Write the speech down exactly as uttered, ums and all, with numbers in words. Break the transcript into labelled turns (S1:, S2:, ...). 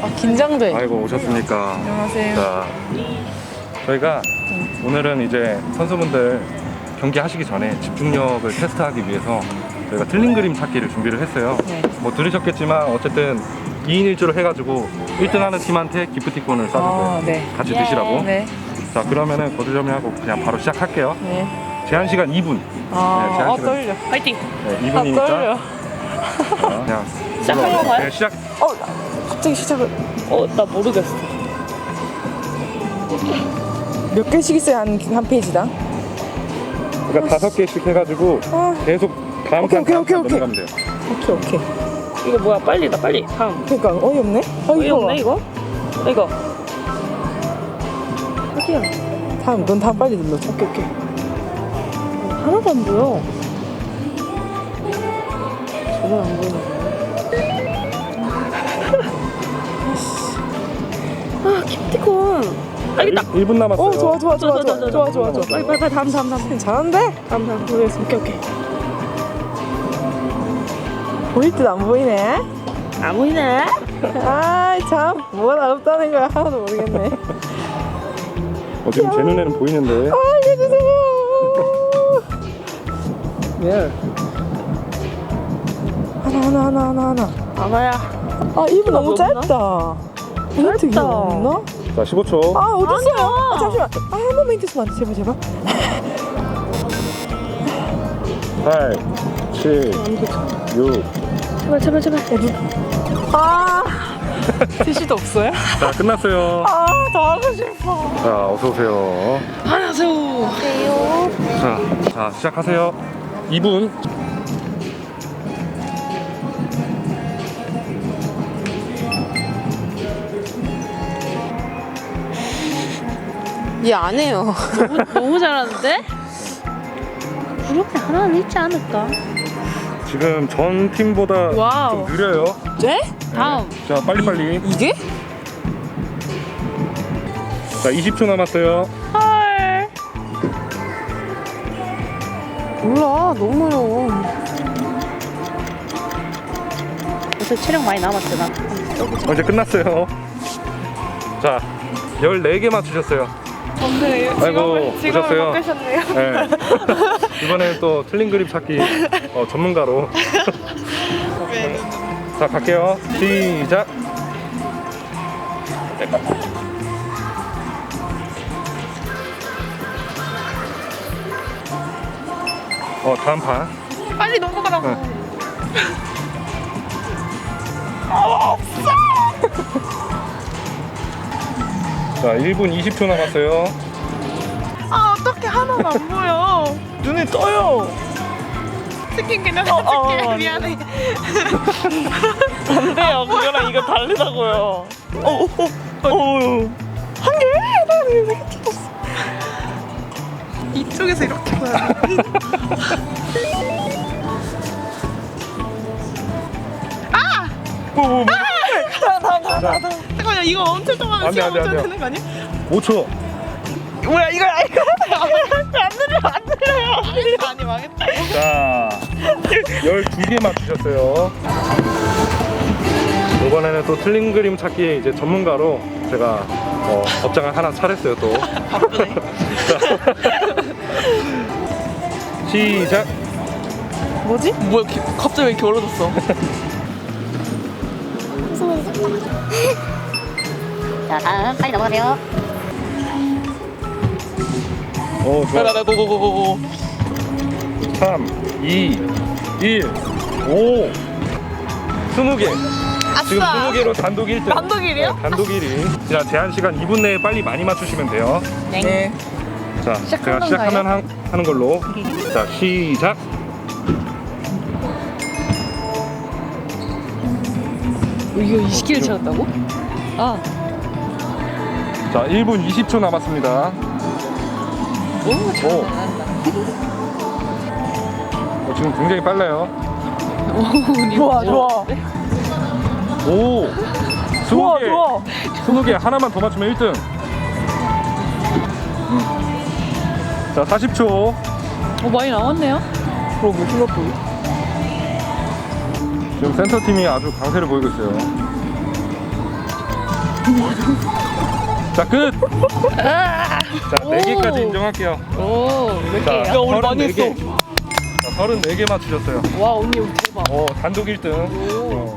S1: 아, 긴장돼.
S2: 아이고 오셨습니까?
S1: 안녕하세요.
S2: 자, 저희가
S1: 응.
S2: 오늘은 이제 선수분들 경기 하시기 전에 집중력을 테스트하기 위해서 저희가 틀린 그림 찾기를 준비를 했어요.
S1: 네.
S2: 뭐 들으셨겠지만 어쨌든 이 인 일 조로 해가지고 일 등 하는 팀한테 기프티콘을 쏴줄 거예요.
S1: 아, 네.
S2: 같이
S3: 예.
S2: 드시라고.
S1: 네.
S2: 자, 그러면은 거두절미하고 그냥 바로 시작할게요.
S1: 네.
S2: 제한 시간 이 분.
S1: 아,
S2: 네, 제한
S1: 아
S2: 시간-
S1: 떨려.
S3: 파이팅!
S2: 네,
S1: 아,
S2: 이 분이니까
S1: 떨려.
S2: 그냥
S3: 시작하는
S2: 눌러요.
S3: 건가요?
S2: 네, 시작.
S1: 어, 갑자기 시작을.
S3: 어, 나 모르겠어.
S1: 몇 개씩 있어야 한, 한 페이지당?
S2: 그러니까 다섯 개씩 해가지고
S1: 아,
S2: 계속 다음
S1: 오케이,
S2: 칸
S1: 오케이,
S2: 다음
S1: 오케이,
S2: 칸
S1: 오케이.
S2: 넘어가면 돼요.
S1: 오케이, 오케이.
S3: 이거 뭐야? 빨리 나 빨리. 다음.
S1: 그러니까 어이없네? 아,
S3: 어이
S1: 이거
S3: 없네
S1: 봐.
S3: 이거? 이거. 어디야?
S1: 다음, 넌 다음 빨리 눌러. 오케이, 오케이.
S3: 하나도 안 보여. 전혀 안 보이네. 아, 기프티콘. 알겠다.
S2: 일 분 남았어요.
S1: 어, 좋아, 좋아, 좋아, 좋아, 좋아, 좋아, 좋아.
S3: 빨리 빨리 빨리 다음 다음 다음
S1: 잘한데?
S3: 다음 다음.
S1: 모르겠어. 오케이, 오케이. 보일 듯 안 보이네?
S3: 안 보이네.
S1: 아이, 참. 뭐가 어렵다는 거야. 하나도 모르겠네.
S2: 어, 지금 제 눈에는 보이는데.
S1: 아, 알려주세요.
S3: 왜?
S1: 하나, 하나, 하나, 하나, 하나.
S3: 아마야.
S1: 아, 이 분 너무
S3: 없나?
S1: 짧다. 힌트
S3: 짧다.
S1: 없나?
S2: 자, 십오 초.
S1: 아, 어딨어요?
S3: 아니야.
S1: 아, 잠시만. 아, 한 번만 힌트 주면 안 돼. 제발, 제발.
S2: 팔, 칠, 육.
S3: 제발 제발 제발.
S1: 아, 티슈도 없어요?
S2: 자, 끝났어요.
S1: 아, 더 하고 싶어.
S2: 자, 어서 오세요.
S3: 안녕하세요.
S2: 자, 자, 시작하세요. 이 분.
S1: 얘 안 해요.
S3: 너무, 너무 잘하는데? 그렇게 하나는 있지 않을까?
S2: 지금 전 팀보다
S3: 와우.
S2: 좀 느려요.
S1: 네?
S3: 다음.
S2: 자, 빨리빨리.
S1: 이게?
S2: 자, 이십 초 남았어요.
S3: 헐.
S1: 몰라. 너무 어려워.
S3: 요새 체력 많이 남았어 나.
S2: 어, 이제 끝났어요. 자, 열네 개 맞추셨어요.
S1: 근데
S2: 아이고, 오셨어요.
S1: 바꾸셨네요.
S2: 네. 이번에는 또 틀린 그림 찾기 어, 전문가로. 자, 갈게요. 시작. 어, 다음 판.
S1: 빨리 넘어가라고.
S2: 네. 자, 일 분 이십 초 남았어요.
S1: 아, 어떻게 하나도 안 보여. 눈에 떠요. 스킨 그냥 스킨
S3: 어,
S1: 미안해. 안 돼요. 그거랑 이거 다르다고요. 어, 어, 어, 어. 한 개? 나 이렇게 떴어. 이쪽에서 이렇게 봐야 돼. 아!
S2: 뭐, 뭐, 뭐.
S1: 나, 나, 나, 나, 나. 잠깐만요. 이거 엄청 동안
S2: 안 돼,
S1: 시간
S2: 안 돼, 안
S1: 멈춰야
S2: 돼요.
S1: 되는 거 아니야?
S2: 오 초.
S1: 뭐야 이거 이거 안 들려 안 들려요. 안 들려. 아니 망했다.
S2: 자, 열두 개 맞추셨어요. 이번에는 또 틀린 그림 찾기 이제 전문가로 제가 어, 법장을 하나 차렸어요 또.
S1: 바쁘네.
S2: 시작.
S1: 뭐지? 뭐야 기, 갑자기 왜 이렇게 얼어졌어?
S4: 자, 다음 빨리 넘어가세요.
S2: 오, 좋아.
S1: 나나 고고고고고.
S2: 삼, 이, 일, 오. 스무 개. 지금 스무 개로 단독 일 등.
S1: 단독 일 위요?
S2: 네, 단독 일 위. 자, 제한 시간 이 분 내에 빨리 많이 맞추시면 돼요.
S1: 네.
S2: 자, 제가 시작하면 하, 하는 걸로. 자, 시작.
S3: 이거 이십 개를 찾았다고? 아.
S2: 자, 일 분 이십 초 남았습니다.
S3: 오,
S2: 오. 어, 지금 굉장히 빨라요.
S1: 좋아 좋아.
S2: 오.
S1: 좋아
S2: 스무 개.
S1: 좋아.
S2: 스무 개 하나만 더 맞추면 일 등. 자, 사십 초.
S3: 어, 많이 나왔네요.
S1: 그러고 생각보다.
S2: 지금 센터팀이 아주 강세를 보이고 있어요. 자, 끝!
S3: 아,
S2: 자, 네 개까지 인정할게요.
S3: 오몇
S2: 자,
S3: 개예요?
S1: 야, 우리 많이
S2: 서른네 개. 자, 서른네 개 맞추셨어요.
S3: 와 언니 대박.
S2: 어, 단독 일 등.
S3: 오.
S2: 어.